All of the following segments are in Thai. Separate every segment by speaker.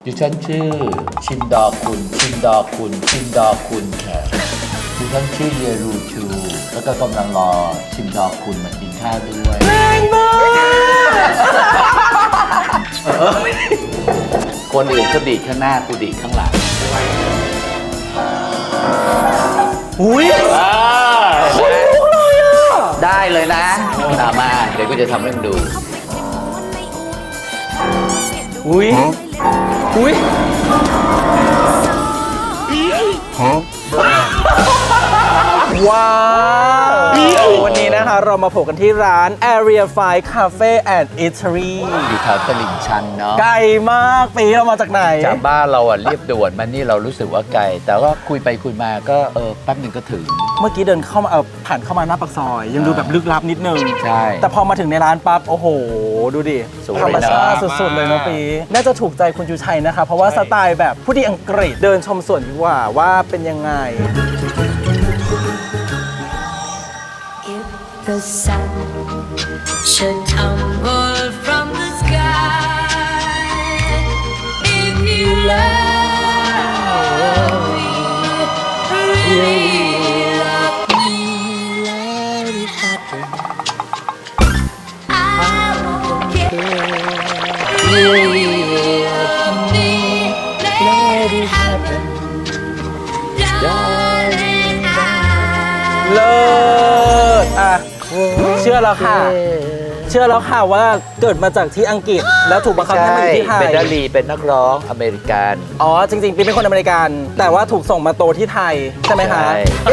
Speaker 1: ดิฉันชื่อชินดอคุณชินดอคุณชินดอคุณค่ะดิฉันชื่อเยรูชูแล้วก็กำลังรอชินดอคุณมากินข้าวด้วย
Speaker 2: แรงมาก
Speaker 1: คนอื่นเขาดีดข้างหน้ากูดีดข้างหลัง
Speaker 2: อุ้ย
Speaker 1: ได้เลยนะมาเดี๋ยวกูจะทำให้มึงดู
Speaker 2: อุ้ยอุ้ยว้าววันนี้นะคะเรามาโผล่กันที่ร้าน Area 5 Cafe and Eatery
Speaker 1: อยู่แถวตลิ่งชันเนาะ
Speaker 2: ไกลมากปีเรามาจากไหน
Speaker 1: จากบ้านเราอ่ะเรียบด่วนมานี่เรารู้สึกว่าไกลแต่ว่าคุยไปคุยมาก็แป๊บหนึ่งก็ถึง
Speaker 2: เมื่อกี้เดินเข้ามาผ่านเข้ามาหน้าปากซอยยังดูแบบลึกลับนิดนึง
Speaker 1: ใช่
Speaker 2: แต่พอมาถึงในร้านปั๊บโอ้โหดูดิธรรมชาติสุดๆเลยนะปีน่าจะถูกใจคุณชูชัยนะคะเพราะว่าสไตล์แบบผู้ดีอังกฤษเดินชมสวนดีกว่าเป็นยังไง
Speaker 3: The sun should tumble from the sky. If you love me, really love me, let it happen. I won't care. Really love me, let it happen. Darling, I
Speaker 2: เลิศอ่ะเชื่อแล้วค่ะว่าเกิดมาจากที่อังกฤษแล้วถูกบังคับให้มาอยู่ที่ไทย
Speaker 1: เป็นดารีเป็นนักร้องอเมริกัน
Speaker 2: อ๋อจริงๆปีเป็นคนอเมริกันแต่ว่าถูกส่งมาโตที่ไทยใช่ไหมคะ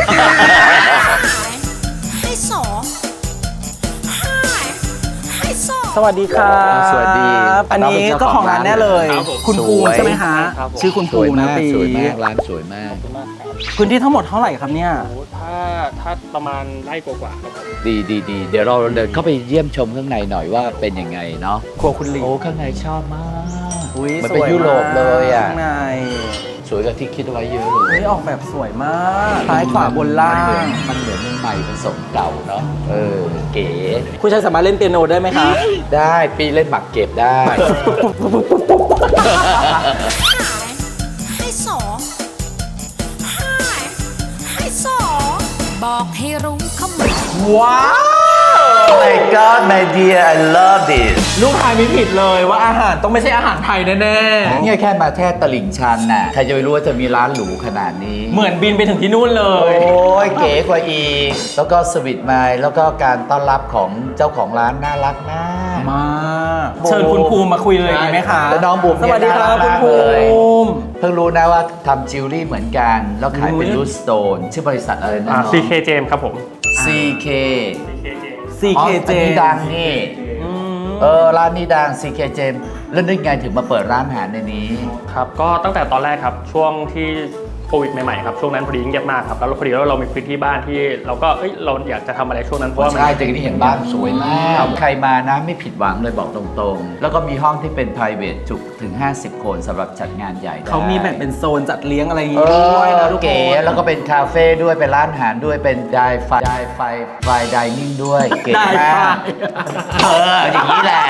Speaker 2: สวัสดีครับ
Speaker 1: สวัสดี
Speaker 2: อันนี้ก็ของร้านแน่เลยคุณปูใช่ไหมคะชื่อคุณปูนะปี
Speaker 1: สวยมากร้านสวยมาก
Speaker 2: พื้นที่ทั้งหมดเท่าไหร่ครับเนี่ย
Speaker 4: ถ้าประมาณไร่กว่าๆครับ
Speaker 1: ดีเดี๋ยวเราเดินเข้าไปเยี่ยมชมข้างในหน่อยว่าเป็นยังไงเนาะ
Speaker 2: ครัวคุณลี
Speaker 1: โอ้ข้างในชอบมาก
Speaker 2: มัน
Speaker 1: เป็นยุโรปเลยอ่ะ
Speaker 2: ข้างใน
Speaker 1: สวยกว่าที่คิดไว้เยอะเลย
Speaker 2: ออกแบบสวยมากซ้ายขวาบนล่าง
Speaker 1: มันเหมือนใหม่ผสมเก่าเนาะเก๋
Speaker 2: คุณชายสามารถเล่นเปียโนได้ไหมคะ
Speaker 1: ได้ปีเล่นหมากเก็บได้
Speaker 3: บอกให้รู้เขาหมด
Speaker 2: ว้าว
Speaker 1: My God my dear I love this
Speaker 2: ลูกทายไม่ผิดเลยว่าอาหารต้องไม่ใช่อาหารไทยแน่ๆ
Speaker 1: เนี่ยแค่มาแค่ตลิ่งชันน่ะใครจะไปรู้ว่าจะมีร้านหรูขนาดนี้
Speaker 2: เหมือนบินไปถึงที่นู่นเลย
Speaker 1: โอ้ยเก๋กว่าอีกแล้วก็สวิตไมล์แล้วก็การต้อนรับของเจ้าของร้านน่ารักมาก
Speaker 2: เชิญคุณภูมิมาคุยเลยดีไหมคะ
Speaker 1: แล้วน้องบูม
Speaker 2: สวัสดีครับคุณภูมิ
Speaker 1: เพิ่งรู้นะว่าทำจิวเวลรี่เหมือนกันแล้วขายเป็นรูทสโตนชื่อบริษัทอะไรนะ
Speaker 4: CK James ครับผม
Speaker 1: CK
Speaker 2: CK
Speaker 1: James นี่ดังนี่ร้านนี้ดัง CK James แล้วนึกไงถึงมาเปิดร้านอาหารในนี้
Speaker 4: ครับก็ตั้งแต่ตอนแรกครับช่วงที่โควิดใหม่ๆครับช่วงนั้นพอดีเงียบมากครับแล้วพอดีเรามีพื้นที่บ้านที่เราก็เราอยากจะทำอะไรช่วงนั้นเพราะว่า
Speaker 1: ใช่แต่ที่เห็นบ้านสวยมากใครมานะไม่ผิดหวังเลยบอกตรงๆแล้วก็มีห้องที่เป็น private จุถึง50 คนสำหรับจัดงานใหญ่
Speaker 2: เขามีแบ่งเป็นโซนจัดเลี้ยงอะไรอย่างงี้ด้วยนะทุกคน
Speaker 1: เก๋แล้วก็เป็นคาเฟ่ด้วยเป็นร้านอาหารด้วยเป็นไดนิ่งด้วยเก๋มากอย่างนี้แหละ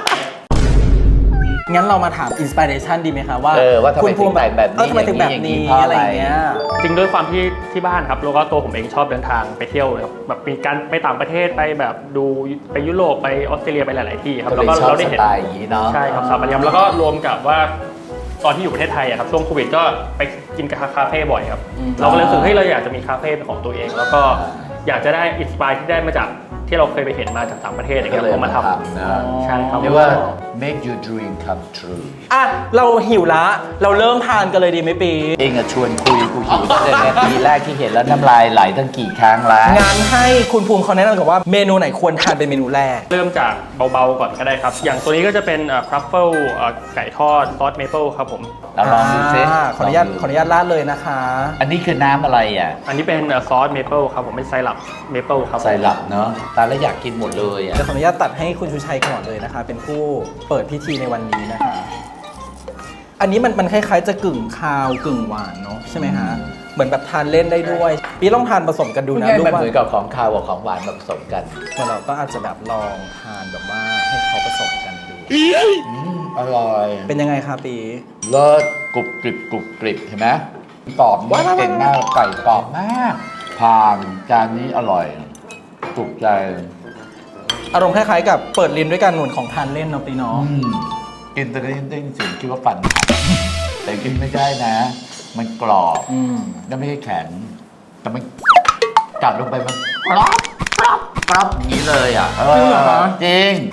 Speaker 2: งั้นเรามาถามอินสปิเรชันดีไหมคะว่า
Speaker 1: คุณภูมิแบบนี้
Speaker 2: ทำไมถึงแบบนี้อะไรเงี้ย
Speaker 4: จริงด้วยความที่บ้านครับแล้วก็ตัวผมเองชอบเดินทางไปเที่ยวครับแบบมีการไปต่างประเทศไปแบบดูไปยุโรปไปออสเตรเลียไปหลายๆที่ครับ
Speaker 1: แล้วก็เราได้เห็นสไตล์อย่างนี้เนาะ
Speaker 4: ใช่ครับสถาปัตยกรรมแล้วก็รวมกับว่าตอนที่อยู่ประเทศไทยครับช่วงโควิดก็ไปกินคาเฟ่บ่อยครับเราก็เลยรู้สึกเราอยากจะมีคาเฟ่เป็นของตัวเองแล้วก็อยากจะได้อินสปายที่ได้มาจากที่เราเคยไปเห็นมาจากต่างประเทศอย่างเงี้ยผมมาทำใช่ครับ
Speaker 1: เรียกว่า make your dream come true
Speaker 2: อ่ะเราหิวละเราเริ่มทานกันเลยดีไหมปี
Speaker 1: เองอะชวนคุยกูหิวตั้งแต่ปีแรกที่เห็นแล้วน้ำลายไหลตั้งกี่ครั้งแล้ว
Speaker 2: งานให้คุณภูมิเขาแนะนำกับว่าเมนูไหนควรทานเป็นเมนูแรก
Speaker 4: เริ่มจากเบาๆก่อนก็ได้ครับอย่างตัวนี้ก็จะเป็นทรัฟเฟิลไก่ทอดซอสเมเปิลครับผม
Speaker 1: ลองดูซิ
Speaker 2: ขออนุญาตราดเลยนะคะ
Speaker 1: อันนี้คือน้ำอะไรอ่ะ
Speaker 4: อันนี้เป็นซอสเมเปิลครับผมเป็นไซรัปเมเปิลครับ
Speaker 1: ไซรัปเนาะตาแล้วอยากกินหมดเลยอ่ะ
Speaker 2: จะขออนุญาตตัดให้คุณชูชัยก่อนเลยนะคะเป็นผู้เปิดพิธีในวันนี้นะคะอันนี้มันคล้ายๆจะกึ่งคาวกึ่งหวานเนาะใช่ไหมฮะเหมือนแบบทานเล่นได้ด้วยพี่ลองทานผสมกันดูนะ
Speaker 1: ดูว่าเหมือนกับของคาวกับของหวานผสมกัน
Speaker 2: เราก็อาจจะแบบลองทานแบบว่าให้เขาผสมกันดู
Speaker 1: อร่อย
Speaker 2: เป็นยังไงคะปี
Speaker 1: เลิศกรุบกริบกรุบกริบเห็นไหมกรอบมากเก่งมากไก่กรอบมากผ่านจานนี้อร่อยถูกใจ
Speaker 2: อารมณ์คล้ายๆกับเปิดลิ้นด้วยการหนุนของทานเล่นเนาะปีเนาะ
Speaker 1: กินแต่ได้ยินเสียงคิดว่าฟันหักแต่กินไม่ได้นะ มันกรอบแล้วไม่ใช่แข็งแต่มันกัดลงไปมันกรอบกรอบกรอบอย่างนี้เลยอ่ะ
Speaker 2: จริงเหรอคะ
Speaker 1: จริง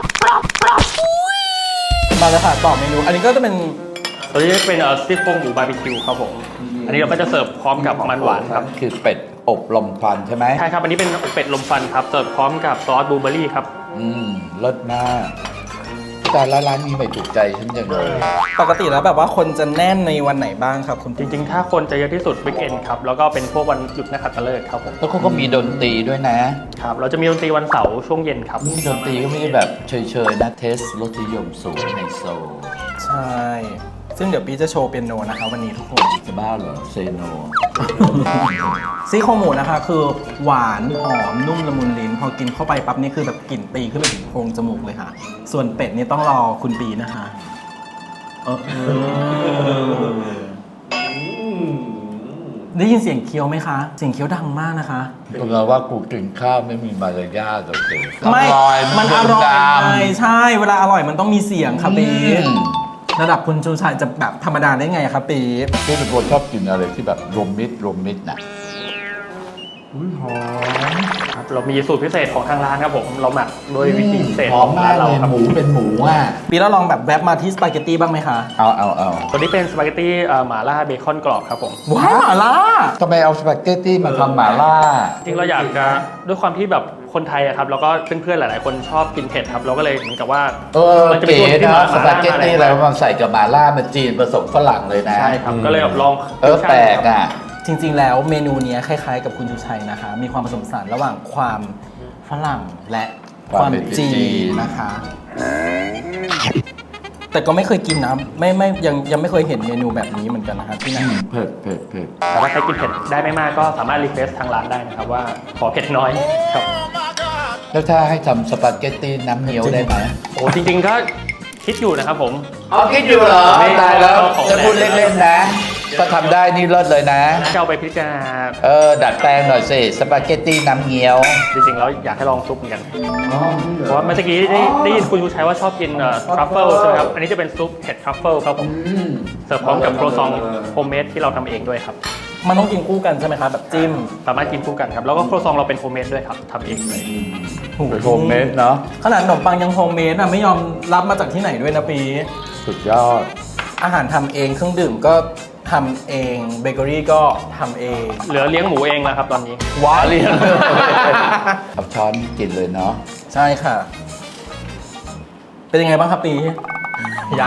Speaker 2: มาเลยค่ะต่อเมนู อันนี้ก็จะเป็น
Speaker 4: ตัวนี้เป็นซี่โครงหมูบาร์บีคิวครับผมอันนี้เราก็จะเสิร์ฟพร้อมกับมันหวานครับ
Speaker 1: คือเป็ดอบลมควันใช่ไหม
Speaker 4: ใช่ครับอันนี้เป็นเป็ดลมควันครับเสิร์ฟพร้อมกับซอสบลูเบอร์รี่ครับ
Speaker 1: เลิศมากแต่ละร้านนี้ไม่ถูกใจฉันจังเลย
Speaker 2: ปกติแล้วแบบว่าคนจะแน่นในวันไหนบ้างครับคุณ
Speaker 4: จริงๆ ถ้าคนจะเยอะที่สุดวิกเอนครับแล้วก็เป็นพวกวันหยุดนักขัตฤกษ์ครับผม
Speaker 1: แล้วเขาก็มีดนตรีด้วยนะ
Speaker 4: ครับเราจะมีดนตรีวันเสาร์ช่วงเย็นครับ
Speaker 1: นี่ดนตรีก็ไม่ได้แบบเฉยๆนะเทสรสนิยมสูงในโซล
Speaker 2: ใช่ ซึ่งเดี๋ยวปีจะโชว์เปียโนนะคะวันนี้ทุกคน
Speaker 1: จะบ้าเหรอเซโน
Speaker 2: ซี่โครงหมูนะคะ คือหวานหอมนุ่มละมุนลิ้น พอกินเข้าไปปั๊บนี่คือแบบกลิ่นตีขึ้นไปถึงโพรงจมูกเลยค่ะ ส่วนเป็ดนี่ต้องรอคุณปีนะคะได้ยินเสียงเคี้ยวไหมคะ เสียงเคี้ยวดังมากนะคะ
Speaker 1: คุณเราว่ากูกินข้าวไม่มีมารยาทหรอกสิ
Speaker 2: ไม่ มันอร่อย
Speaker 1: ด
Speaker 2: ไงใช่ เวลาอร่อยมันต้องมีเสียงค่ะปี
Speaker 1: อืม
Speaker 2: ระดับคุณชูชัยจะแบบธรรมดาได้ไงครับปี
Speaker 1: พี่เป็นคนชอบกินอะไรที่แบบรวมมิตรน่ะ
Speaker 4: ครับเรามีสูตรพิเศษของทางร้านครับผมเราหมักโดยวิธีพิเศษ
Speaker 1: หอ
Speaker 4: ข
Speaker 1: ม
Speaker 4: อง
Speaker 1: มา
Speaker 4: ร้าก นเรา
Speaker 1: เลย
Speaker 4: ครับ
Speaker 1: หมูเป็นหมูอ่ะ
Speaker 2: ปีแล้วลองแบบแวบมาที่สปาเกตตี้บ้างไหมคะ
Speaker 1: เอา
Speaker 4: ตัวนี้เป็นสปาเกตตี้หม่าล่าเบคอนกรอบครับผม
Speaker 2: ว้าวหม่าล่า
Speaker 1: ทำไมเอาสปาเกตตี้มาทำหม่าล่า
Speaker 4: จริงเราอยากจะด้วยความที่แบบคนไทยอะครับแล้วก็เพื่อนๆหลายๆ คนชอบกินเผ็ดครับเราก็เลยเหมือนกับว่า
Speaker 1: มั
Speaker 4: จะเป็น
Speaker 1: เก๋
Speaker 4: ตัวที่
Speaker 1: นะ
Speaker 4: มา
Speaker 1: สปาเกตตี้แล้วมาใส่กับหม่าล่ามันจีนผสมฝรั่งเลยนะ
Speaker 4: ใช่ครับก็เลยแบบลอง
Speaker 1: แปลกอ่ะ
Speaker 2: จริงๆ แล้วเมนูเนี้ยคล้ายๆ กับคุณชูชัยนะคะ มีความผสมผสานระหว่างความฝรั่งและความจีนนะคะ แต่ก็ไม่เคยกินนะไม่ยังไม่เคยเห็นเมนูแบบนี้เหมือนกันนะคะที่ไหน
Speaker 1: เผ็ด
Speaker 4: แต่ว่าใครกินเผ็ดได้ไม่มากก็สามารถรีเควสทางร้านได้นะครับว่าขอเผ็ดน้อยครับ
Speaker 1: แล้วถ้าให้ทำสปาเกตตี้น้ำเงี้ยวได้ไหม
Speaker 4: โอ้จริงๆก็คิดอยู่นะครับผม
Speaker 1: อ๋อคิดอยู่เหรอ
Speaker 4: ไม่
Speaker 1: ตายแล้ว
Speaker 4: ของ
Speaker 1: จะพูดเล่นๆนะถ้าทำได้นี่เลิศเลยนะ
Speaker 4: จะเอาไปพิจารณา
Speaker 1: ดัดแปลงหน่อยสิสปาเกตตี้น้ำเงี้ยว
Speaker 4: จริงๆแล้วอยากให้ลองซุปเหมือนกันเพราะว่าเมื่อกี้ได้ยินคุณชูชัยว่าชอบกินทรัฟเฟิลใช่ไหมครับอันนี้จะเป็นซุปเห็ดทรัฟเฟิลครับผมเสิร์ฟพร้อมกับโครซองโฮมเมดที่เราทำเองด้วยครับ
Speaker 2: มันต้องกินคู่กันใช่ไหมคะแบบจิ้ม
Speaker 4: สามารถกินคู่กันครับแล้วก็โครซองเราเป็นโฮมเมดด้วยครับทำเองเลย
Speaker 1: เป็นโฮมเมดเนาะ
Speaker 2: ขนาดขนมปังยังโฮมเมดอ่ะไม่ยอมรับมาจากที่ไหนด้วยนะปี
Speaker 1: สุดยอด
Speaker 2: อาหารทำเองเครื่องดื่มก็ทำเองเบเกอรี่ก็ทำเอง
Speaker 4: เหลือเลี้ยงหมูเองแล้วครับตอนนี้
Speaker 2: ว้าว
Speaker 1: เอาช้อนกินเลยเนาะ
Speaker 2: ใช่ค่ะ เป็นยังไงบ้างครับปี ยัง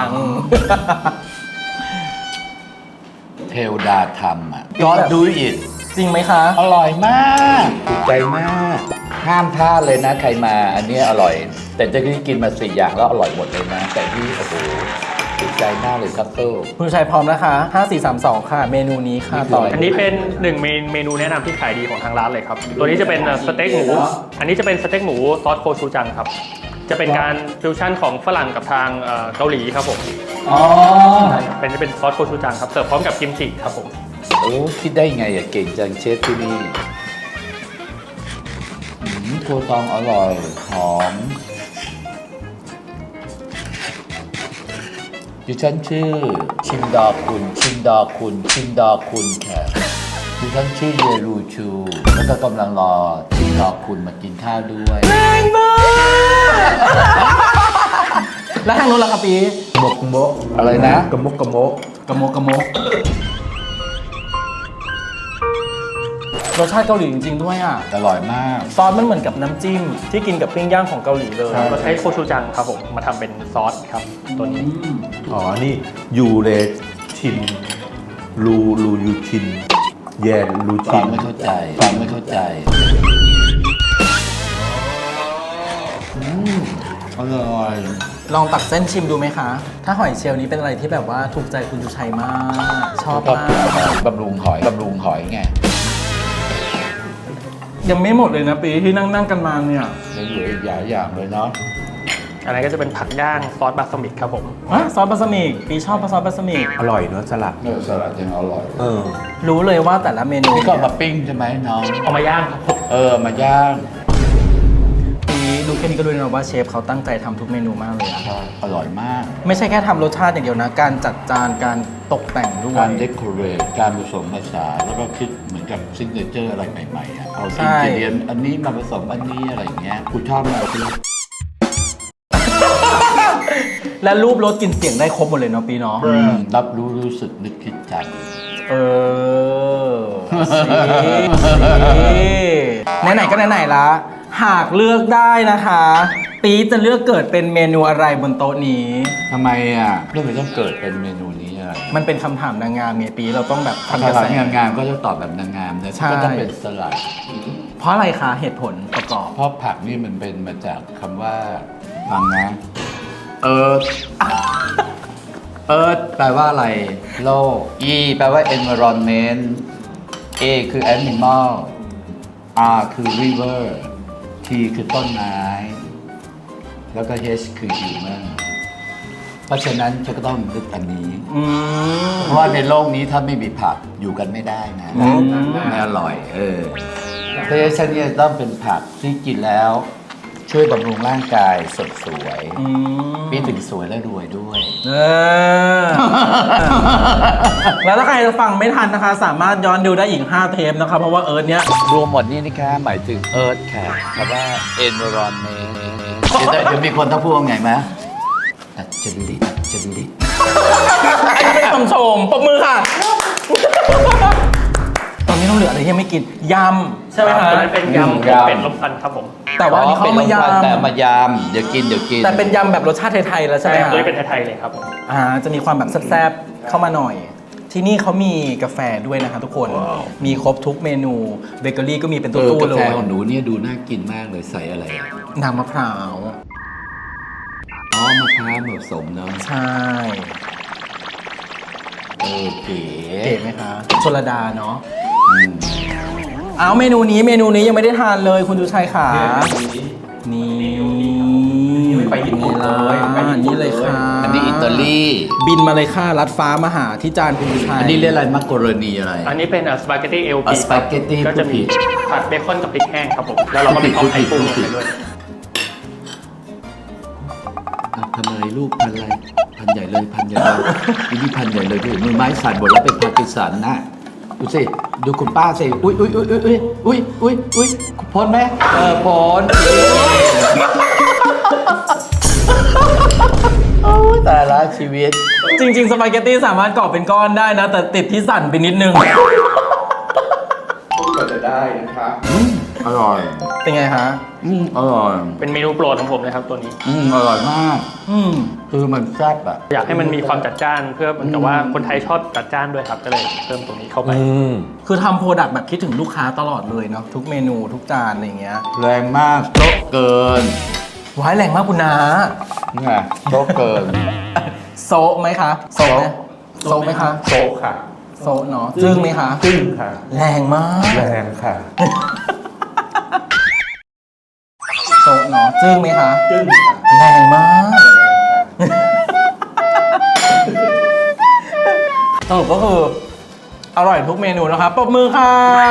Speaker 1: เทวดาทำอ่ะยอดดูอิด
Speaker 2: จริงไหมคะ
Speaker 1: อร่อยมากถูกใจมาก ห้ามพลาดเลยนะใครมา อันนี้อร่อย แต่เจะที่กินมา4อย่างแล้วอร่อยหมดเลยนะ แต่ที่โอ้โหถูกใจมากเลยครับเตอร์
Speaker 2: คุณชัยพร้อมนะคะ 5 4 3 2 ค่ะ เมนูนี้ค่ะต่อ
Speaker 4: อันนี้เป็นหนึ่งเมนูแนะนำที่ขายดีของทางร้านเลยครับ ตัวนี้จะเป็นสเต็กหมู อันนี้จะเป็นสเต็กหมูซอสโคชูจังครับ จะเป็นการฟิวชั่นของฝรั่งกับทางเกาหลีครับผม
Speaker 1: อ๋อ
Speaker 4: เป็นซอสโคชูจังครับ เสิร์ฟพร้อมกับกิมจิครับผม
Speaker 1: โอ้คิดได้ไงอะเก่งจังเชฟที่นี่โคตองอร่อย หอมดิฉันชื่อชินดาคุณแขกดิฉันชื่อเยรูชู แล้วก็กำลังรอชินดาคุณมากินข้าวด้วย
Speaker 2: แรงมากแล้วทางนู้นล่ะครับปี
Speaker 1: มกอะไรนะ
Speaker 2: กระมกกระมกรสชาติเกาหลีจริงๆด้วยอ่ะ
Speaker 1: อร่อยมาก
Speaker 2: ซอสมันเหมือนกับน้ำจิ้ม ที่กินกับปิ้งย่างของเกาหลีเลย
Speaker 4: เราใช้โคชูจังครับผม มาทำเป็นซอสครับ ตัวนี้
Speaker 5: อ๋อ นี่ยูเลชินลูยูชิน แยนลู
Speaker 1: ฟั
Speaker 5: ชิ
Speaker 1: ง
Speaker 5: น
Speaker 1: ไม่เข้าใจอร่อย
Speaker 2: ลองตักเส้นชิมดูไหมคะ ถ้าหอยเชลล์นี้เป็นอะไรที่แบบว่าถูกใจคุณชูชัยมาก ชอบ
Speaker 1: ก็
Speaker 2: มาก
Speaker 1: บำรุงหอยไง
Speaker 2: ยังไม่หมดเลยนะปีที่นั่งกันมาเนี่ย
Speaker 1: เหลืออีกหลายอย่างเลยเนาะ
Speaker 4: อันนั้นก็จะเป็นผักย่างซอสบาสมิกครับผม
Speaker 2: ซอสบาสมิกปีชอบซอสบาสมิก
Speaker 5: อร่อยเนอะสลัด
Speaker 1: เนื้อสลัดยังอร่อย
Speaker 2: รู้เลยว่าแต่ละเมนู
Speaker 1: นี่ก็เอามาปิ้งใช่ไหมน้อง
Speaker 4: เอามาย่างครับผม
Speaker 1: มาย่าง
Speaker 2: ปีดูแค่นี้ก็รู้เลยนะว่าเชฟเขาตั้งใจทำทุกเมนูมากเลยอะ
Speaker 1: อร่อยมาก
Speaker 2: ไม่ใช่แค่ทำรสชาติอย่างเดียวนะ การจัดจานการตกแต่งด้วย
Speaker 1: การเดคอเรทการผสมผสานแล้วก็คิดเหมือนกับซิกเนเจอร์อะไรใหม่ๆอะเอา
Speaker 2: ใช่
Speaker 1: อินกิเดียนอันนี้มาผสมอันนี้อะไรอย่างเงี้ยกูชอบมากเลย
Speaker 2: และรูปรสกลิ่นเสียงได้ครบหมดเลยเนาะปีเนาะ
Speaker 1: รับรู้สึกนึกคิดจ
Speaker 2: เออไหนๆก็ไหนๆละหากเลือกได้นะคะ ปีจะเลือกเกิดเป็นเมนูอะไรบนโต๊ะนี้
Speaker 1: ำทำไมอ่ะเรื่องมันต้องเกิดเป็นเมนูนี้อะไร
Speaker 2: มันเป็นคำถามนางงามเมียปีเราต้องแบบ
Speaker 1: ภา
Speaker 2: ทำกระ
Speaker 1: ษา
Speaker 2: แส
Speaker 1: งามๆก็จะตอบแบบนางงามนะ
Speaker 2: ใช่
Speaker 1: ก็ต้องเป็นสลัด
Speaker 2: เพราะอะไรคะเหตุผลประกอบ
Speaker 1: เพราะผักนี่มันเป็นมาจากคำว่าฟังนะแปลว่าอะไร โลก E แปลว่า environment A คือ animal R คือ river T คือต้นไม้ แล้วก็ H คือ human เพราะฉะนั้นฉันก็ต้องนึกอันนี้ เพราะว่าในโลกนี้ถ้าไม่มีผักอยู่กันไม่ได้นะไม่อร่อยเพราะฉะนั้นเนี่ยต้องเป็นผักที่กินแล้ว ช่วยบำรุงร่างกายสดสวยปีถึงสวยและรวยด้วย
Speaker 2: แล้วถ้าใครฟังไม่ทันนะคะ สามารถย้อนดูได้อีก 5 เทปนะคะ เพราะว่าเอิร์ธเนี้ย
Speaker 1: รวมหมดนี่นะคะหมายถึง Earth ค่ะคำว่า environment เดี๋ยวมีคนต้องพูดว่าไงไหมดัดจริต
Speaker 2: เป็นคำชมปรบมือค่ะ ตอนนี้ต้องเหลืออะไรที่ยังไม่กินยำใช่ไหมคะ
Speaker 4: อันนั้นเป็นยำเป็ดลมควันครับผม
Speaker 2: แต่ว่าอันนี้เขามาย
Speaker 1: แต่มายำเดี๋ยวกิน
Speaker 2: ำแต่เป็นยำแบบรสชาติไทยๆแล้วใช่ไหมคะ
Speaker 4: ตัวนี้เป็นไทยๆเลยครับผม
Speaker 2: จะมีความแบบแซ่บๆเข้ามาหน่อย ที่นี่เขามีกาแฟด้วยนะคะทุกคน มีครบทุกเมนูเบเกอรี่ก็มีเป็นตู้ๆ
Speaker 1: กา
Speaker 2: เล
Speaker 1: แฟ
Speaker 2: ย
Speaker 1: ของหนูเนี่ยดูน่ากินมากเลยใส่อะไรอ่ะ
Speaker 2: น้ำมะพร้าว
Speaker 1: อ๋อมะพร้าวผสมเนาะ
Speaker 2: ใช่
Speaker 1: เก๋
Speaker 2: เก๋ไหมคะชลดาเนาะเอาเมนูนี้ยังไม่ได้ทานเลยคุณดูชัยขานี่ไปญี่ปุ่นเลยนี่เลยค่ะ
Speaker 1: อันนี้อิตาลี
Speaker 2: บินมาเลยค่ะลัดฟ้ามาหาที่จานคุณดูชัย
Speaker 1: อันนี้เรียกอะไรมักกะโรนีอะไร
Speaker 4: อันนี้เป็นสปาเกตตี้เอล
Speaker 1: อ่ะ
Speaker 4: พี
Speaker 1: spaghetti
Speaker 4: ก็จะมี
Speaker 1: พูดผิด
Speaker 4: ผัดเบคอนกับพริกแห้งครับผม แล้วเราก็มีข้าวไข่กุ้งลงไปด้วย
Speaker 1: พันอะไรลูกพันอะไรพันใหญ่เลยพันใหญ่เลยอีนี่พันใหญ่เลยดูมือไม้สั่นหมดแล้วเป็นพาร์กินสันนะดูสิดูคุณป้าสิอุ้ยพ้นไหมพ้นโอ้ยแต่ละชีวิต
Speaker 2: จริงๆสปาเกตตี้สามารถก่อเป็นก้อนได้นะ แต่ติดที่สั่นไปนิดนึง
Speaker 5: ก็จะได้นะครับ
Speaker 1: อร่อย
Speaker 2: เป็นไงคะ
Speaker 1: อร่อย
Speaker 4: เป็นเมนูโปรดของผมเลยครับตัวนี้
Speaker 1: อร่อยมาก
Speaker 2: อืม
Speaker 1: คือมันแซ่บอะ
Speaker 4: อยากให้มันมีความจัดจ้านเพื่อเหมือนกับว่าคนไทยชอบจัดจ้านด้วยครับ ก็เลยเพิ่มตรงนี้เข้าไป
Speaker 2: คือทำโปรดักต์แบบคิดถึงลูกค้าตลอดเลยเนาะทุกเมนูทุกจานอะไรอย่างเงี้ย
Speaker 1: แรงมากโต๊ะเกิน
Speaker 2: ว้ายแรงมากคุณนา
Speaker 1: นี่ไงโต๊ะเกิน
Speaker 2: โซะไหมคะโซะไหมโซะไหมคะ
Speaker 5: โซะค่ะ
Speaker 2: โซะเนาะจึ้งไหมคะ
Speaker 5: จึ้งค่ะ
Speaker 2: แรงมาก
Speaker 5: แรงค่ะ
Speaker 2: โซะเนาะจึ้งไหมคะ
Speaker 5: จึ้งค่ะ
Speaker 2: แรงมากสรุปก็คืออร่อยทุกเมนูนะครับปรบมือค่ะ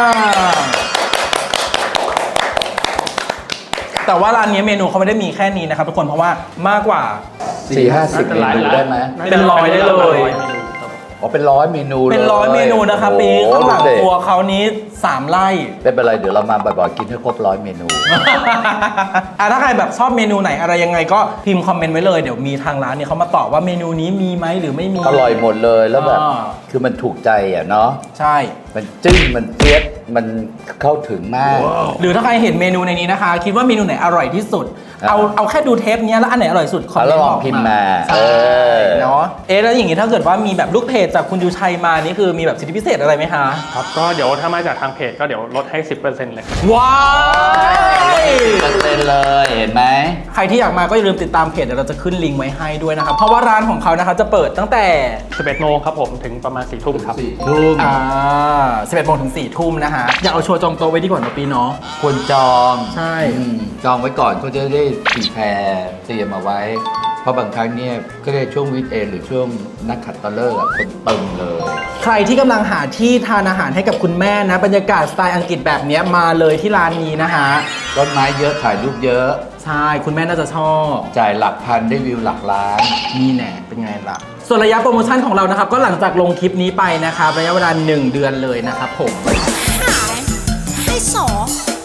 Speaker 2: แต่ว่าร้านนี้เมนูเขาไม่ได้มีแค่นี้นะครับทุกคนเพราะว่ามากกว่า
Speaker 1: 4-50 เมนูได้ไหม
Speaker 2: เป็นร้อยได้เลย
Speaker 1: อ๋อเป็น100 เมนูเลย
Speaker 2: เป็น100 เมนูนะครับปี
Speaker 1: โอ้โ
Speaker 2: ข้างหลังครัวเขานี้3 ไร่
Speaker 1: ไม่เป็นไรเดี๋ยวเรามาบ่อยๆกินให้ครบ100 เมนู
Speaker 2: ถ้าใครแบบชอบเมนูไหนอะไรยังไงก็พิมพ์คอมเมนต์ไว้เลยเดี๋ยวมีทางร้านเนี่ยเขามาตอบว่าเมนูนี้มีไหมหรือไม่มี
Speaker 1: อร่อยหมดเลยแล้วแบบ
Speaker 2: อ่า
Speaker 1: คือมันถูกใจอ่ะเนาะ
Speaker 2: ใช่
Speaker 1: มันจึ้งมันเฟี้ยดมันเข้าถึงมาก
Speaker 2: หรือถ้าใครเห็นเมนูในนี้นะคะ คิดว่าเมนูไหนอร่อยที่สุด เอาแค่ดูเทปเนี้ยแล้วอันไหนอร่อยสุดคอมเมน
Speaker 1: แล้ว
Speaker 2: ต์
Speaker 1: ล
Speaker 2: บ
Speaker 1: อง
Speaker 2: อก
Speaker 1: พิมพ์มา
Speaker 2: ใช่เนาะแล้วอย่างงี้ถ้าเกิดว่ามีแบบลูกเพจจากคุณยูชัยมานี่คือมีแบบสิทธิพิเศษอะไรไหมคะ
Speaker 4: ครับ ก็เดี๋ยวถ้ามาจากทางางเพจก็เดี๋ยวลดให้ 10%เลย
Speaker 2: ว้าย
Speaker 1: 10%เลยเห็นไหม
Speaker 2: ใครที่อยากมาก็อย่าลืมติดตามเพจเดี๋ยวเราจะขึ้นลิงก์ไว้ให้ด้วยนะครับ เพราะว่าร้านของเขานะคะจะเปิดตั้งแต่
Speaker 4: 11 โมงครับผมถึงประมาณ 4 ทุ่มครับ
Speaker 1: ทุ่ม
Speaker 2: 11 โมงถึง 4 ทุ่มนะคะอยากเอาโชว์จองโต๊ะไว้ดีกว่านะปีเนาะ
Speaker 1: ควรจอง
Speaker 2: ใช่
Speaker 1: จองไว้ก่อนก็จะได้ตีแพรเตรียมเอาไว้ เพราะบางครั้งเนี่ยก็ได้ช่วงวีคเอนหรือช่วงนักขัตฤกษ์อะคนเติมเลย
Speaker 2: ใครที่กำลังหาที่ทานอาหารให้กับคุณแม่นะบรรยากาศสไตล์อังกฤษแบบเนี้ยมาเลยที่ร้านนี้นะคะ
Speaker 1: ต้นไม้เยอะถ่ายรูปเยอะ
Speaker 2: ใช่คุณแม่น่าจะชอบ
Speaker 1: จ่ายหลักพันได้วิวหลักล้าน
Speaker 2: นี่แน่เป็นไงล่ะ ส่วนระยะโปรโมชั่นของเรานะครับ ก็หลังจากลงคลิปนี้ไปนะครับระยะเวลา 1 เดือนเลยนะครับผม
Speaker 3: ให้สอ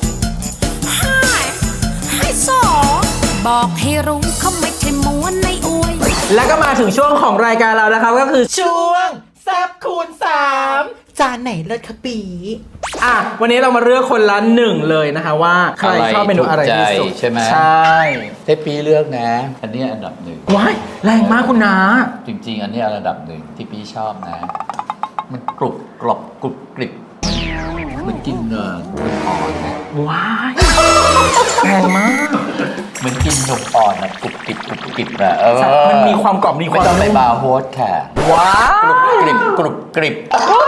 Speaker 3: ให้สอบอกให้รู้เขาไม่ใช่ม้วนในอวย
Speaker 2: แล้วก็มาถึงช่วงของรายการเรานะครับก็คือช่วงแซบคูณ3จานไหนเลิศคะปีอ่ะวันนี้เรามาเลือกคนละ1เลยนะคะว่าใครชอบเมนูอะไรที่สุด
Speaker 1: ใช่ไหม
Speaker 2: ใช่
Speaker 1: เทปปีเลือกนะ อันนี้อันดับหนึ่ง
Speaker 2: ว้ายแรงมากคุณนา
Speaker 1: จริง ๆ อันนี้อันดับหนึ่งที่พี่ชอบนะ มันกรุบกรอบกรุบกริบมันกินมันอ่อนนะ
Speaker 2: ว้ายแรงมาก
Speaker 1: เหมือนกินนมอ่อนนะกรุบกริบกรุบกริบอะ
Speaker 2: มันมีความกรอบมีค
Speaker 1: ไม่
Speaker 2: วาม
Speaker 1: ต้องไป
Speaker 2: นุ่ม
Speaker 1: บาร์โฮสค่ะ
Speaker 2: ว้าก
Speaker 1: รุบ
Speaker 2: ย
Speaker 1: กริบกรุบกริบ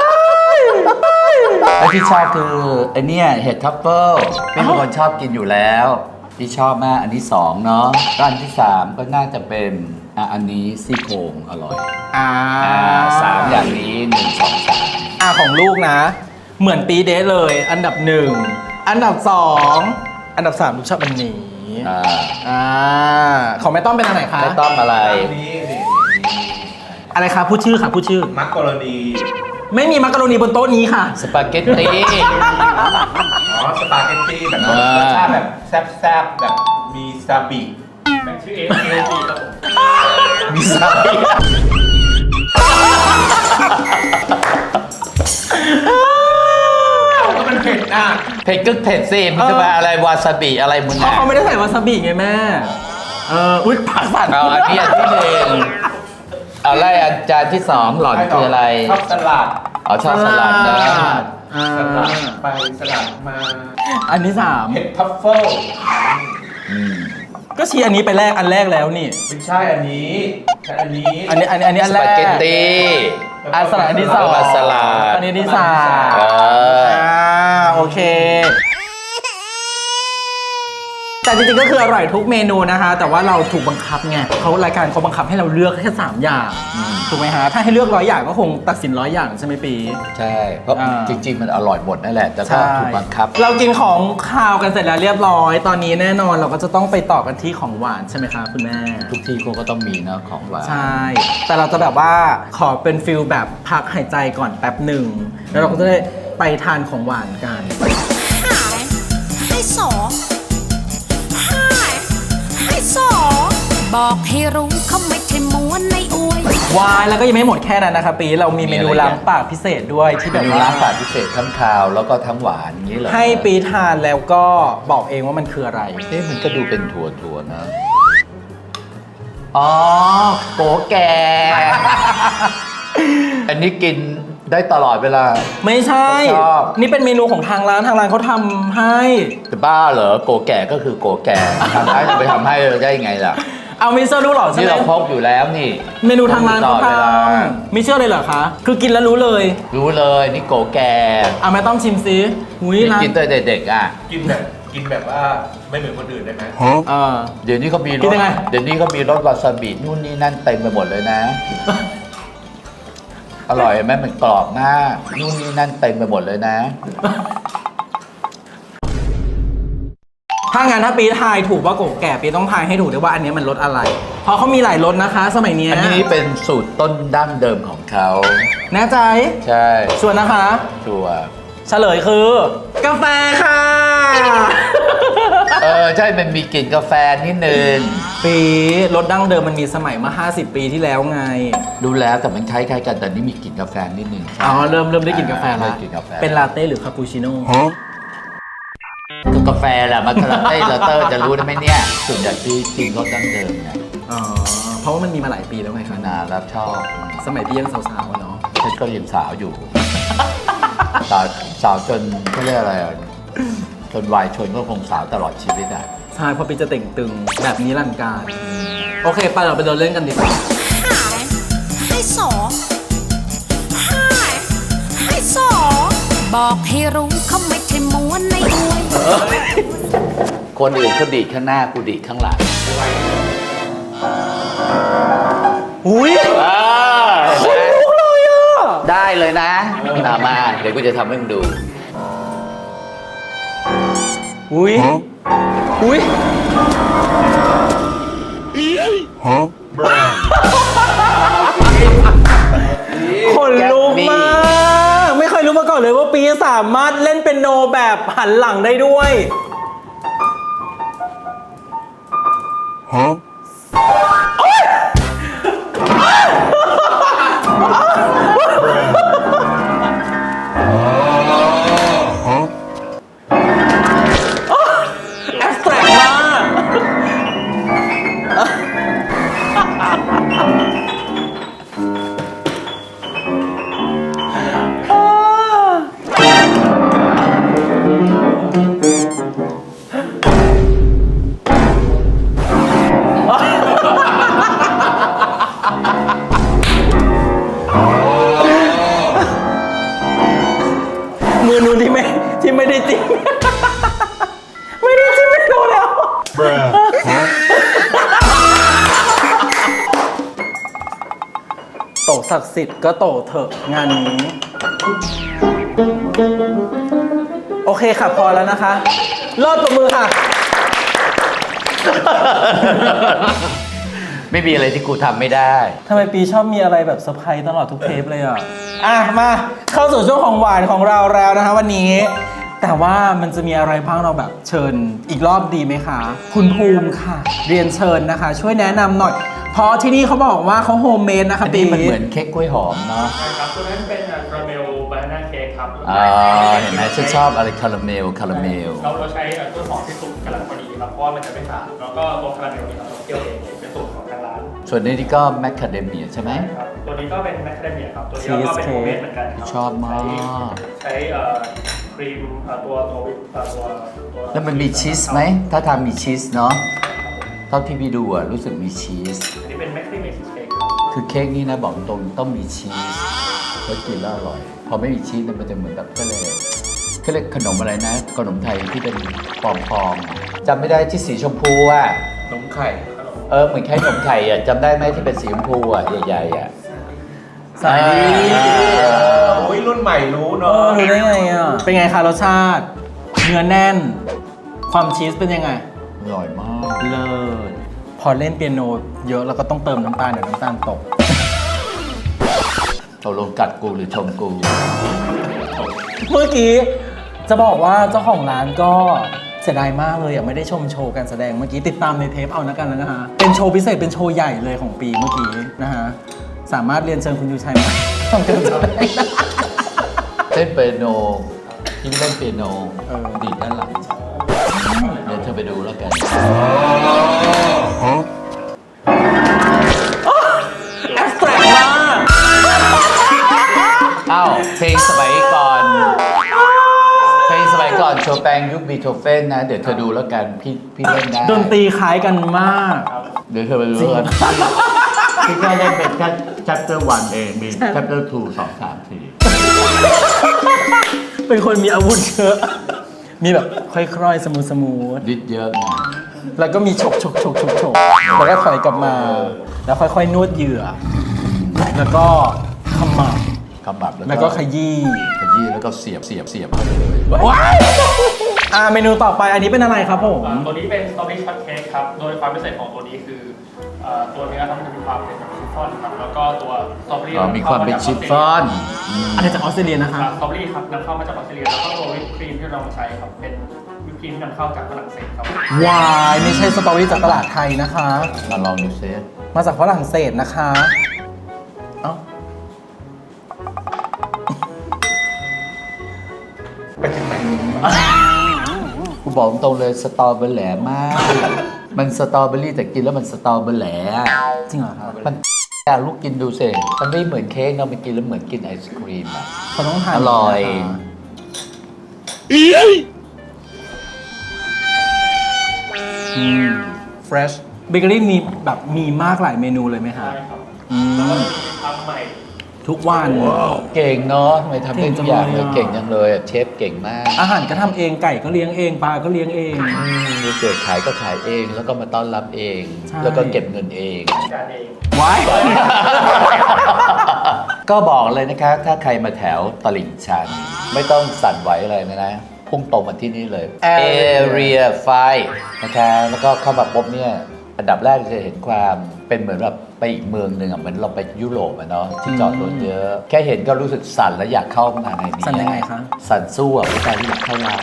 Speaker 1: และที่ชอบคือไอเนี่ยเห็ดทัฟเฟิลเป็นคนชอบกินอยู่แล้วที่ชอบมากอันที่2เนาะร้านที่3ก็น่าจะเป็นอันนี้ซี่โครงอร่อย สามอย่างนี้1 2 3
Speaker 2: ของลูกนะ เหมือนปีเดทเลย อันดับ 1 อันดับ 2 อันดับ 3 ลูกชอบอันนี้ ของแม่ต้อมเป็นอันไหนคะ
Speaker 1: ไม่ต้องอะไร
Speaker 2: อะไรคะพูดชื่อค่ะพูดชื่อ
Speaker 5: มักกะโรนี
Speaker 2: ไม่มีมักกะโรนีบนโต๊ะนี้ค่ะ
Speaker 1: สปาเกตตี
Speaker 5: อ๋อ สปาเกตตี้แบบ
Speaker 1: อ่าร
Speaker 5: สชาติแบบแซ่บๆแบบมีซาบิ
Speaker 4: แบ่งชื่อ A A G ครับผม
Speaker 1: มีซาบิ
Speaker 5: ก็มันเผ็ดอ่ะ
Speaker 1: เผ็ดก็เผ็ดสิมันจะมาอะไรวาซาบิอะไรมึง
Speaker 2: เพราะ
Speaker 1: อ่ะ
Speaker 2: เขาไม่ได้ใส่วาซาบิไงแม่ อุ๊ยปากสั่น
Speaker 1: เอาอันนี้อันที่1เอาไล่อันจานที่2หล่อนคืออะไร
Speaker 5: ชอบสลัด
Speaker 1: เอาชอบสลัดนะ
Speaker 5: สลัดไปสลัดมา
Speaker 2: อันที่
Speaker 5: เห็ดทัฟเฟิล
Speaker 1: อืม
Speaker 2: 3 ก็ชี้อันนี้ไปอันแรกแล้วนี่
Speaker 5: ไม่ใช่อันนี้ใช่อันนี้
Speaker 2: อันนี้อัน
Speaker 1: ส
Speaker 2: แรก
Speaker 1: ปาเกตตี
Speaker 2: อันสลัดอันที่
Speaker 1: แล้วก็
Speaker 2: 2
Speaker 1: สลัด
Speaker 2: อันนี้ที่
Speaker 1: เออ
Speaker 2: 3โอเค แต่จริงๆก็คืออร่อยทุกเมนูนะคะ แต่ว่าเราถูกบังคับไงรายการเขาบังคับให้เราเลือกแค่3อย่างถูกไหมฮะถ้าให้เลือก100 อย่างก็คงตัดสิน100 อย่างใช่ไหมปี
Speaker 1: ใช่ เพราะ
Speaker 2: อ่า
Speaker 1: จริง ๆ มันอร่อยหมดนั่นแหละ แต่ก็ถูกบังคับ
Speaker 2: เรากินของคาวกันเสร็จแล้วเรียบร้อย ตอนนี้แน่นอนเราก็จะต้องไปต่อกันที่ของหวานใช่ไหมคะคุณแม่
Speaker 1: ทุกที่เขาก็ต้องมีเนอะของหวาน
Speaker 2: ใช่ แต่เราจะแบบว่าขอเป็นฟิลแบบพักหายใจก่อนแป๊บหนึ่งแล้วเราก็จะได้ไปทานของหวานกัน
Speaker 3: ให้สอให้สอบอกให้รู้เขาไม่ใช่ม้วนในอวย
Speaker 2: วายแล้วก็ยังไม่หมดแค่นั้นนะครับปีเรามีเมนูล้างปากพิเศษด้วยที่แบ
Speaker 1: แบบ บ
Speaker 2: ว่า
Speaker 1: ร้านฝาดพิเศษทั้งคาวแล้วก็ทั้งหวานอย่างนี้เหรอ
Speaker 2: ให้ปีทานแล้วก็บอกเองว่ามันคืออะไร
Speaker 1: มันก็ดูเป็นถั่วๆนะ อ๋อโกแก่ อันนี้กินได้ตลอดเวลา
Speaker 2: ไม่ใช่
Speaker 1: ผมชอบ
Speaker 2: นี่เป็นเมนูของทางร้านเขาทำให้
Speaker 1: แต่บ้าเหรอโกแก่ก็คือโกแก่ทำให้จะไปทำให้ได้ยังไงล่ะ
Speaker 2: เอามิเชอร์รู้เหรอใช่
Speaker 1: นี่
Speaker 2: ไหม
Speaker 1: เราพกอยู่แล้วนี่
Speaker 2: เมนูทางร้านเขา
Speaker 1: ตลอด
Speaker 2: ท
Speaker 1: เวลา
Speaker 2: ำมิเชอร์เลยเหรอคะ คือกินแล้วรู้เลย
Speaker 1: รู้เลยนี่โกแก่
Speaker 2: เอาแม่ต้องชิมซิอุ้ย
Speaker 1: นี่
Speaker 2: ร้าน
Speaker 1: กินตั้งแต่เด็กๆอ่ะ
Speaker 5: กินแบบว่าไม่เหมือนคนอื่นได้ไหม
Speaker 1: เดี๋ยวนี้เขามีร
Speaker 2: กิ
Speaker 1: ส
Speaker 2: นยังไง
Speaker 1: เดี๋ยวนี้เขามีรสวาซาบินู่นนี่นั่นเต็มไปหมดเลยนะ อร่อยไหมมันกรอบมากนู่นนี่นั่นเต็มไปหมดเลยนะ
Speaker 2: ถ้างั้นถ้าปีทายถูกว่าโกแก่ปีต้องทายให้ถูกด้วยว่าอันนี้มันรสอะไร เพราะเขามีหลายรสนะคะ สมัยเนี้ย
Speaker 1: อันนี้เป็นสูตรต้นดั้งเดิมของเขา
Speaker 2: แน่ใจ
Speaker 1: ใช่
Speaker 2: ชวนนะคะ
Speaker 1: ชัวร์
Speaker 2: เฉลยคือ กาแฟค่ะ
Speaker 1: ใช่มันมีกลิ่นกาแฟนิดนึง
Speaker 2: ปีรสดั้งเดิมมันมีสมัยมา 50 ปีที่แล้วไง
Speaker 1: ดูแล้วแต่มันคล้ายๆกันแต่นี่มีกลิ่นกาแฟนิดนึง
Speaker 2: อ๋อ เริ่มได้กลิ่นกาแฟ
Speaker 1: เริ่
Speaker 2: ละ
Speaker 1: มกลิ่นกาแฟ
Speaker 2: เป็นลาเต้หรือคาปูชิโน่
Speaker 1: ก็กาแฟแหละมันกระเต้ลาเตอร์จะรู้ได้ไหมเนี่ยส่วนใหญ่ที่กินรสดั้งเดิมเนี่ย
Speaker 2: อ๋อ เพราะว่ามันมีมาหลายปีแล้วไงคะ
Speaker 1: นานแล้วชอบ
Speaker 2: สมัยพี่ยังสาวๆอะเนาะ
Speaker 1: ฉันก็ยังสาวอยู่สาวจนเขาเรียกอะไรอ่ะจนวัยชนก็คงสาวตลอดชีวิตอ่ะ
Speaker 2: ใช่เพราะปีจะเต่งตึงแบบนี้รันดร์การ โอเคไปเราไปเดินเล่นกันดีกว่า
Speaker 3: ให้สอให้สอบอกให้รู้เขาไม่ใช่ม้วนในอวย
Speaker 1: คนอื่นเขาดีดข้างหน้ากูดีดข้างหลัง
Speaker 2: อุ้ย
Speaker 1: ลุกเลยอ่ะได้เลยนะมาเดี๋ยวกูจะทำให้มึงดู
Speaker 2: อุ้ยอุ้ยคนลุกมาก ไม่เคยรู้มาก่อนเลยว่าปีสามารถเล่นเป็นโนแบบหันหลังได้ด้วย แอบสแตรกมาก มือนูนที่ไม่ได้จริง ไม่ได้จริงไม่ดูแล้ว โตศักดิ์สิทธิ์ก็โตเถอะงานนี้ โอเคค่ะพอแล้วนะคะรอดปรบมือค่ะ
Speaker 1: ไม่มีอะไรที่กูทำไม่ได้
Speaker 2: ทำไมปีชอบมีอะไรแบบเซอร์ไพรส์ตลอดทุกเทปเลยอ่ะ มาเข้าสู่ช่วงของหวานของเราแล้วนะคะวันนี้ แต่ว่ามันจะมีอะไรบ้างเราแบบเชิญอีกรอบดีไหมคะ คุณภูมิค่ะ เรียนเชิญนะคะ ช่วยแนะนำหน่อย เพราะที่นี่เขาบอกว่าเขาโฮมเมดนะคะ
Speaker 1: อัน
Speaker 2: ปี
Speaker 1: นี้มันเหมือนเค้กกล้วยหอมเนาะ
Speaker 4: ใช่ครับ ตัวนั้นเป็นคาราเมลบานาน่าเค้กครับ
Speaker 1: เห็นไหมฉันชอบอะไรคาราเมล
Speaker 4: เราใช้กล้วยหอมที่สุกกำลังพอดีครับ เพราะว่ามันจะไม่ฝาดแล้วก็ตัวคาราเมลนี่เราเคี่ยวเองเป็นสูตรของทางร้าน
Speaker 1: ส่วนนี้นี่ก็แมคคาเดเมียใช่ไหม
Speaker 4: ครับ ตัวนี้ก็เป็นแมคคาเดเมียครับ ตัวนี้ก็เป็นโฮมเมดเหมือนกันครับ
Speaker 1: ชอบมาก
Speaker 4: ใช้ครีมตัววิปตัว
Speaker 1: แล้วมันมีชีสไหม ถ้าทำมีชีสเนาะเท่าที่พี่ดูอะรู้สึกมีชีส
Speaker 4: อันนี้เป็นแมคคาเดเมียชีสเค้ก
Speaker 1: คือเค้กนี่นะบอกตรงต้องมีชีสแล้วกินแล้วอร่อย พอไม่มีชีสมันจะเหมือนแบบก็เลยขนมอะไรนะ ขนมไทยที่เป็นฟองๆจำไม่ได้ที่สีชมพูอะ
Speaker 5: นมไข่
Speaker 1: เหมือนแค่ขนมไทยอะจำได้ไหมที่เป็นสีชมพูอะใหญ่ๆอะ
Speaker 2: สายดี
Speaker 5: โอ้ยรุ่นใหม่รู้
Speaker 2: เอ
Speaker 5: เนาะ
Speaker 2: อรู้ได้ไงอ่ะ เป็นไงคะรสชาติ เนื้อแน่น ความชีสเป็นยังไง
Speaker 1: อร่อยมาก
Speaker 2: เลิศพอเล่นเปียโนเยอะแล้วก็ต้องเติมน้ำตาลเดี๋ยวน้ำตาลตก
Speaker 1: ตกลงกัดกูหรือชมกู
Speaker 2: เมื่อกี้จะบอกว่าเจ้าของร้านก็เสียดายมากเลยอ่ะไม่ได้ชมโชว์การแสดงเมื่อกี้ติดตามในเทปเอานะกันแล้วนะฮะเป็นโชว์พิเศษเป็นโชว์ใหญ่เลยของปีเมื่อกี้นะฮะสามารถเรียนเชิญคุณยูชัยมาทำการแสดง
Speaker 1: เล่นเปียโนที่เล่นเปียโน ดีดด้านหลังเดี๋ยวเธอไปดูแล้วกัน
Speaker 2: แอบสแตรกมาก
Speaker 1: อ้าวเพลงสมัยก่อนโชแปงยุคบีโธเฟนนะ เดี๋ยวเธอดูแล้วกันพี่เล่นได้
Speaker 2: ดนตรีคล้ายกันมาก
Speaker 1: เดี๋ยวเธอไปดูแล้วกันพี่แค่เล่นเป็นแค่ chapter 1 เองมี chapter 2 2 3
Speaker 2: เป็นคนมีอาวุธเยอะ มีแบบค่อยๆ สมูท
Speaker 1: 4ดิดเยอะนะ
Speaker 2: ๆแล้วก็มีฉกแล้วก็ถอยกลับมา แล้วค่อยๆ นวดเหยื่อ แล้วก็ขมับ
Speaker 1: กำบับ
Speaker 2: แล้วก็ขยี้
Speaker 1: แล้วก็เสียบเข้าไปเลย
Speaker 2: ว้ายเมนูต่อไปอันนี้เป็นอะไรครับผม
Speaker 4: ตัวนี้เป็นสตรอเบอรี่ช็อตเค้กครับ โดยความพิเศษของตัวนี้คือตัวเนื้อครับมันจะมีความเป็นแบบชิฟฟ่อนครับ แล้วก็ตัวสตรอเบอรี่
Speaker 1: มีความเป็นชิฟฟ่อน
Speaker 2: อันนี้จากออสเตรเลียนะ
Speaker 4: ค
Speaker 2: ค
Speaker 4: รั
Speaker 2: รั
Speaker 4: บบ สตรอเบอรี่ครับนำเข้ามาจากออสเตรเลียแล้วก็ตัววิปครีมที่เรามาใช้ครับเป็นวิปครีมที่นำเข้าจากฝรั่งเศสครับ
Speaker 2: วายไม่ใช่สตรอเบอรี่จากตลาดไทยนะคะ
Speaker 1: มาลองดูเซฟ
Speaker 2: มาจากฝรั่งเศสนะคะ เอ้า
Speaker 1: กูบอกตรงเลยสตอเบอร์แหลมาก มันสตอเบอรี่แต่กินแล้วมันสตอเบอร์แหล
Speaker 2: จริงเหรอครับ
Speaker 1: มันอยากลูกกินดูสิมันไม่เหมือนเค้กเนาะมันกินแล้วเหมือนกินไอศครีมอะ
Speaker 2: เขาต้องทาน
Speaker 1: อร่อย
Speaker 2: fresh เบเกอรี่มีแบบมีมากหลายเมนูเลยไหมคะ
Speaker 4: ใช่ครับ
Speaker 2: อืม
Speaker 4: แล้วก็มีทำใหม่
Speaker 2: ทุกวัน
Speaker 1: เก่งเนาะทำไมทำได้ทุกอย่างเลย
Speaker 2: เก่
Speaker 1: เก่
Speaker 2: ง
Speaker 1: ง
Speaker 2: จั
Speaker 1: จั
Speaker 2: ง
Speaker 1: ง
Speaker 2: เล
Speaker 1: เลย ยอะเชฟเก่งมาก
Speaker 2: อาหารก็ทำเองไก่ก็เลี้ยงเองปลาก็เลี้ยงเอง
Speaker 1: มีเกิดขายก็ขายเองแล้วก็มาต้อนรับเอง
Speaker 2: ใช่
Speaker 1: แล้วก็เก็บเงินเอง
Speaker 4: การเอง
Speaker 2: ไว้
Speaker 1: ก็บอกเลยนะคะ ถ้าใครมาแถวตลิ่งชัน ไม่ต้องสั่นไหวอะไรนะพุ่งตรงมาที่นี่เลย Area 5 นะคะ แล้วก็เข้ามาปุ๊บเนี่ย อันดับแรกจะเห็นความเป็นเหมือนแบบไปอีกเมืองหนึ่งอ่ะเหมือนเราไปยุโรปอ่ะเนาะที่จอดรถเยอะ แค่เห็นก็รู้สึกสั่นแล้วอยากเข้ามาในนี้
Speaker 2: สั่นยังไงคะ
Speaker 1: สั่นสู้อ่ะผู้ชายที่อยากเข้าร้าน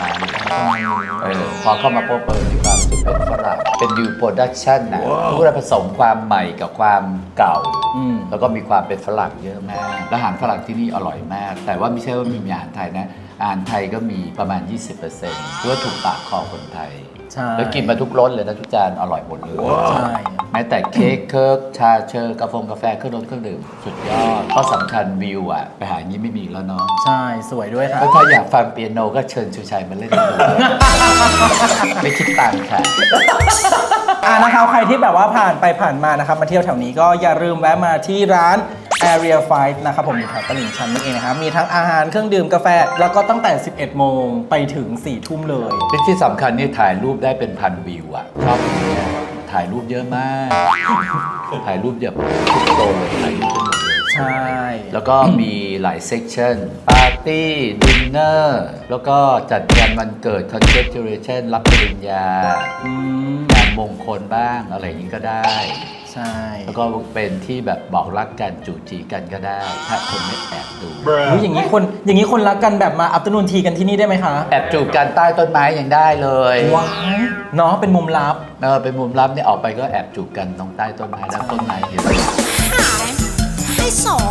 Speaker 1: พอเข้ามาปุ๊บมีความรู้สึกเป็นฝรั่งเป็นยูโปรดักชั่นนะผู้ได้ผสมความใหม่กับความเก่า แล้วก็มีความเป็นฝรั่งเยอะมากและอาหารฝรั่งที่นี่อร่อยมาก แต่ว่าไม่ใช่ว่ามีอาหารไทยนะอาหารไทยก็มีประมาณ 20%คือว่าถูกปากคอคนไทย
Speaker 2: ใช่
Speaker 1: แล้วกินมาทุกรสเลยนะทุกจานอร่อยหมดเลย
Speaker 2: ใช่
Speaker 1: แม้แต่เค้กเคิร์กชาเชอร์กาแฟเครื่องดื่มสุดยอดข้อสำคัญวิวอ่ะไปหาอย่างนี้ไม่มีแล้วเนาะ
Speaker 2: ใช่สวยด้วยค่ะ
Speaker 1: แล้วถ้าอยากฟังเปียโนก็เชิญชูชัยมาเล่นดู ไม่คิดตังค์ค่ะ
Speaker 2: นะครับใครที่แบบว่าผ่านไปผ่านมานะครับมาเที่ยวแถวนี้ก็อย่าลืมแวะมาที่ร้าน Area 5 นะครับผมอยู่แถวตลิ่งชันนี่เองนะครับมีทั้งอาหารเครื่องดื่มกาแฟ แล้วก็ตั้งแต่ 11 โมงไปถึง 4 ทุ่มเลย
Speaker 1: ที่สำคัญนี่ถ่ายรูปได้เป็นพันวิวอ่ะชอบอย่างเงี้ยถ่ายรูปเยอะมาก ถ่ายรูปแบบทุกโซนเลยถ่ายรูปได้หมดเลย
Speaker 2: ใช่
Speaker 1: แล้วก็มีหลายเซกชันปาร์ตี้ดินเนอร์แล้วก็จัดงานวันเกิด congratulation รับปริญญา
Speaker 2: อืม
Speaker 1: งานมงคลบ้างอะไรอย่างนี้ก็ได้
Speaker 2: ใช่
Speaker 1: แล้วก็เป็นที่แบบบอกรักกันจูจีกันก็ได้ ถ้าคนไม่แอบดู
Speaker 2: อุ๊ยอย่างนี้คนรักกันแบบมาอัปตนูนทีกันที่นี่ได้ไหมคะ
Speaker 1: แอบจูบกันใต้ต้นไม้ยังได้เลย
Speaker 2: ว้ายเนาะเป็นมุมลับ
Speaker 1: เป็นมุมลับเนี่ยออกไปก็แอบจูบกันตรงใต้ต้นไม้แล้วต้นไม้เห็น
Speaker 3: ให้สอ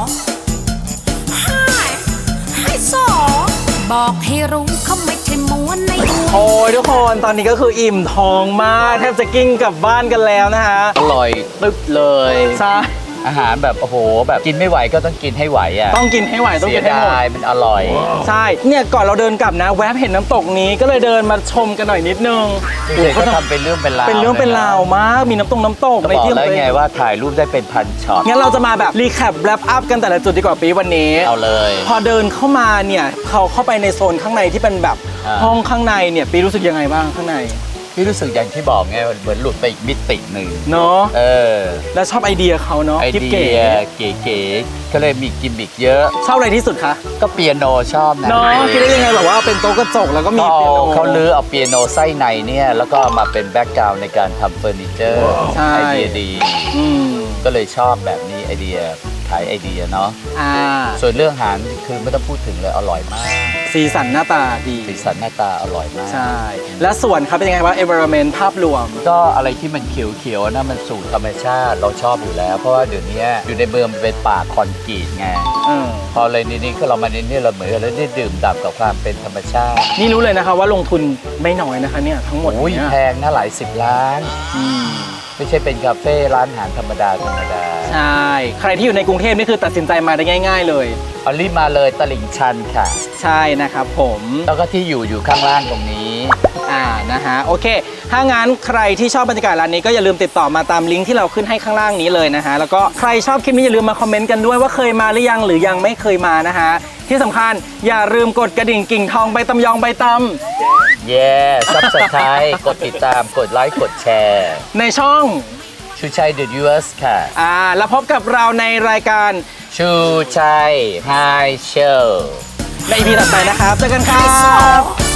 Speaker 3: ให้สอบอกให้รู้เขาไม่ใช่ม้วนในหัว
Speaker 2: โอ้ยทุกคนตอนนี้ก็คืออิ่มท้องมากแทบจะกิ้งกลับบ้านกันแล้วนะฮะ
Speaker 1: อร่อยตึ๊บเลย
Speaker 2: ใช่
Speaker 1: อาหารแบบโอ้โหแบบกินไม่ไหวก็ต้องกินให้ไหวอ่ะ
Speaker 2: ต้องกินให้ไหวต้อง
Speaker 1: เสี
Speaker 2: กิ
Speaker 1: ย
Speaker 2: นให้หมด
Speaker 1: ดายมันอร่อย
Speaker 2: ใช่ เนี่ยก่อนเราเดินกลับนะ แวบเห็นน้ำตกนี้ก็เลยเดินมาชมกันหน่อยนิดนึง
Speaker 1: เด็กก็ทำเป็นเรื่องเป็นราว
Speaker 2: เป็นเรื่องเป็นราวมาก มีน้ำตก
Speaker 1: ก็
Speaker 2: ใน
Speaker 1: บอก
Speaker 2: ที่
Speaker 1: แล้วไงว่าถ่ายรูปได้เป็นพันช็อต
Speaker 2: งั้นเราจะมาแบบรีแคปแรปอัพกันแต่ละจุดดีกว่าปีวันนี้
Speaker 1: เอาเลย
Speaker 2: พอเดินเข้ามาเนี่ยเขาเข้าไปในโซนข้างในที่เป็นแบบ
Speaker 1: อ่า
Speaker 2: ห้องข้างในเนี่ยปีรู้สึกยังไงบ้างข้างใน
Speaker 1: พี่รู้สึกอย่างที่บอกไงเหมือนหลุดไปอีกมิติหนึ่ง
Speaker 2: เนาะ
Speaker 1: อ
Speaker 2: แล้วชอบไอเดียเขาเนาะ
Speaker 1: ไอ
Speaker 2: กิ๊บ
Speaker 1: เดี
Speaker 2: เก๋
Speaker 1: ยเก๋ๆก็เลยมีกิมมิกเยอะ
Speaker 2: ชอบอะไรที่สุดคะ
Speaker 1: ก็เปียโนชอบนะ
Speaker 2: เนาะคิดได้ยังไงแบบว่าเป็นโต๊ะกระจกแล้วก็มี
Speaker 1: ก็
Speaker 2: เปียโน
Speaker 1: เขาลื้อเอาเปียโนไส้ในเนี่ยแล้วก็มาเป็นแบ็กกราวน์ในการทำเฟอร์นิเจอร์
Speaker 2: ใช่
Speaker 1: ไอเดียดี
Speaker 2: อืม
Speaker 1: ก็เลยชอบแบบนี้ไอเดียขายไอเดียเนาะ
Speaker 2: อ่า
Speaker 1: ส่วนเรื่องอาหารคือไม่ต้องพูดถึงเลยอร่อยมาก
Speaker 2: สีสันหน้าตาดี
Speaker 1: สีสันหน้าตาอร่อยมาก
Speaker 2: ใช่ และส่วนครับเป็นยังไงบ้าง environment ภาพรวม
Speaker 1: ก็อะไรที่มันเขียวๆนะมันสู่ธรรมชาติเราชอบอยู่แล้ว เพราะว่าเดี๋ยวนี้อยู่ในเมืองมันเป็นป่าคอนกรีตไง พอเลยนี่ก็เรามานี่เราเหมือนเราได้ดื่มด่ำกับความเป็นธรรมชาติ
Speaker 2: นี่รู้เลยนะคะว่าลงทุนไม่น้อยนะคะเนี่ยทั้งหมด
Speaker 1: โอ้ย
Speaker 2: เนี่ย
Speaker 1: แพงนะหลาย10 ล้าน
Speaker 2: อืม
Speaker 1: ไม่ใช่เป็นคาเฟ่ร้านอาหารธรรมดา
Speaker 2: ใช่ ใครที่อยู่ในกรุงเทพนี่คือตัดสินใจมาได้ง่าย ๆ เลย
Speaker 1: เอารีบมาเลยตลิ่งชันค่ะ
Speaker 2: ใช่นะครับผม
Speaker 1: แล้วก็ที่อยู่ข้างล่างตรงนี้
Speaker 2: นะฮะโอเค ถ้างั้นใครที่ชอบบรรยากาศร้านนี้ก็อย่าลืมติดต่อมาตามลิงก์ที่เราขึ้นให้ข้างล่างนี้เลยนะฮะแล้วก็ใครชอบคลิปนี้อย่าลืมมาคอมเมนต์กันด้วยว่าเคยมาหรือยังหรือยังไม่เคยมานะฮะที่สำคัญอย่าลืมกดกระดิ่งกิ่งทองใบตำยองใบตำ
Speaker 1: เย้ซับสไครต์กดติดตามกดไลค์กดแชร์
Speaker 2: ในช่อง
Speaker 1: ชูชัยเดอะยูเอสค่ะ
Speaker 2: แล้วพบกับเราในรายการ
Speaker 1: ชูชัยไฮโชว์
Speaker 2: ใน EP ต่อไปนะครับเจอกันครับ